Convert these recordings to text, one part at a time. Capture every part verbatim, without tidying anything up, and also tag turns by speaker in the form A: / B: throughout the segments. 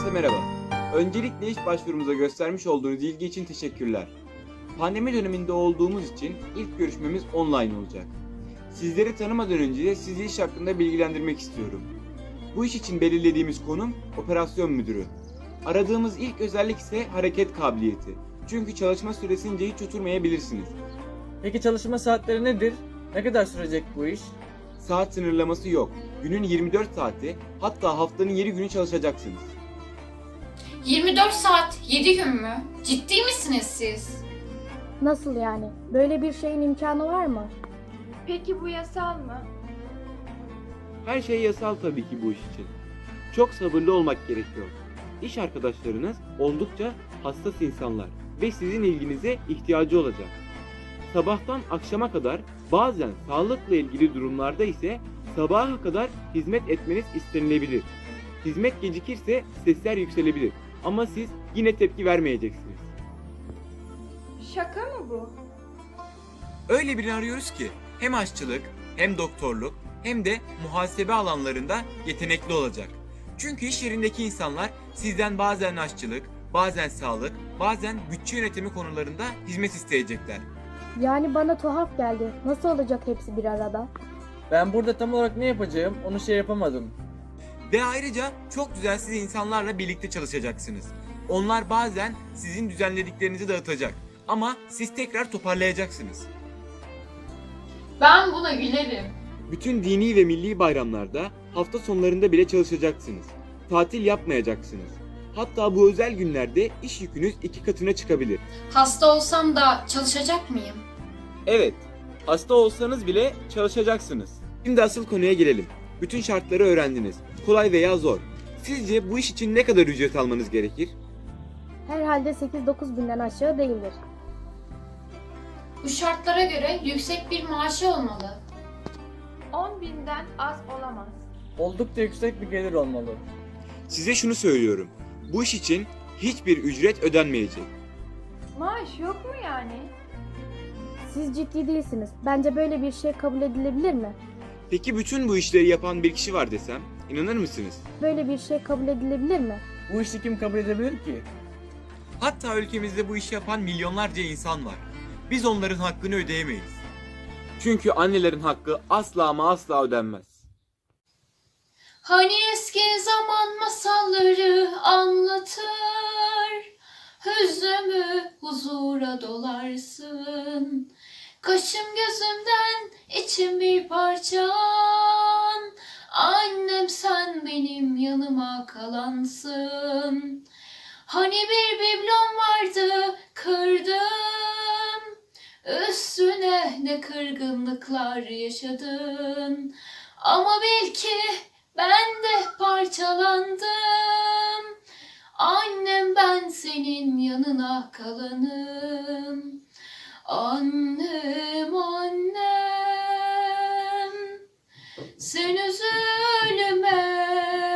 A: Herkese merhaba. Öncelikle iş başvurumuza göstermiş olduğunuz ilgi için teşekkürler. Pandemi döneminde olduğumuz için ilk görüşmemiz online olacak. Sizleri tanımadan önce sizi iş hakkında bilgilendirmek istiyorum. Bu iş için belirlediğimiz konum operasyon müdürü. Aradığımız ilk özellik ise hareket kabiliyeti. Çünkü çalışma süresince hiç oturmayabilirsiniz.
B: Peki çalışma saatleri nedir? Ne kadar sürecek bu iş?
A: Saat sınırlaması yok. Günün yirmi dört saati, hatta haftanın yedi günü çalışacaksınız.
C: yirmi dört saat, yedi gün mü? Ciddi misiniz siz?
D: Nasıl yani? Böyle bir şeyin imkanı var mı?
E: Peki bu yasal mı?
A: Her şey yasal tabii ki bu iş için. Çok sabırlı olmak gerekiyor. İş arkadaşlarınız oldukça hassas insanlar ve sizin ilginize ihtiyacı olacak. Sabahtan akşama kadar, bazen sağlıkla ilgili durumlarda ise sabaha kadar hizmet etmeniz istenilebilir. Hizmet gecikirse sesler yükselebilir ama siz yine tepki vermeyeceksiniz.
E: Şaka mı bu?
A: Öyle birini arıyoruz ki hem aşçılık, hem doktorluk, hem de muhasebe alanlarında yetenekli olacak. Çünkü iş yerindeki insanlar sizden bazen aşçılık, bazen sağlık, bazen bütçe yönetimi konularında hizmet isteyecekler.
D: Yani bana tuhaf geldi. Nasıl olacak hepsi bir arada?
B: Ben burada tam olarak ne yapacağım onu şey yapamadım.
A: Ve ayrıca çok düzensiz insanlarla birlikte çalışacaksınız. Onlar bazen sizin düzenlediklerinizi dağıtacak ama siz tekrar toparlayacaksınız.
C: Ben buna gülerim.
A: Bütün dini ve milli bayramlarda hafta sonlarında bile çalışacaksınız. Tatil yapmayacaksınız. Hatta bu özel günlerde iş yükünüz iki katına çıkabilir.
C: Hasta olsam da çalışacak mıyım?
A: Evet, hasta olsanız bile çalışacaksınız. Şimdi asıl konuya gelelim. Bütün şartları öğrendiniz. Kolay veya zor. Sizce bu iş için ne kadar ücret almanız gerekir?
D: Herhalde sekiz dokuz binden aşağı değildir.
C: Bu şartlara göre yüksek bir maaşı olmalı.
E: on binden az olamaz.
B: Oldukça yüksek bir gelir olmalı.
A: Size şunu söylüyorum. Bu iş için hiçbir ücret ödenmeyecek.
E: Maaş yok mu yani?
D: Siz ciddi değilsiniz. Bence böyle bir şey kabul edilebilir mi?
A: Peki bütün bu işleri yapan bir kişi var desem, inanır mısınız?
D: Böyle bir şey kabul edilebilir mi?
B: Bu işi kim kabul edebilir ki?
A: Hatta ülkemizde bu işi yapan milyonlarca insan var. Biz onların hakkını ödeyemeyiz. Çünkü annelerin hakkı asla ama asla ödenmez.
C: Hani eski zaman masalları anlatır, hüznümü huzura dolarsın. Kaşım gözümden içim bir parçan, annem sen benim yanıma kalansın. Hani bir biblom vardı kırdım, üstüne ne kırgınlıklar yaşadın. Ama bil ki ben de parçalandım, annem ben senin yanına kalanım. Annem annem, sen üzülme,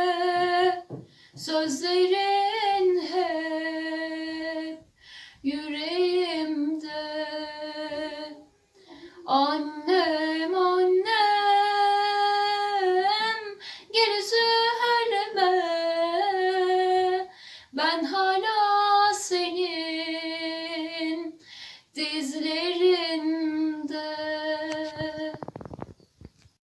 C: sözlerin hep yüreğimde. Annem annem, gel üzülme, ben hala senin dizlerin.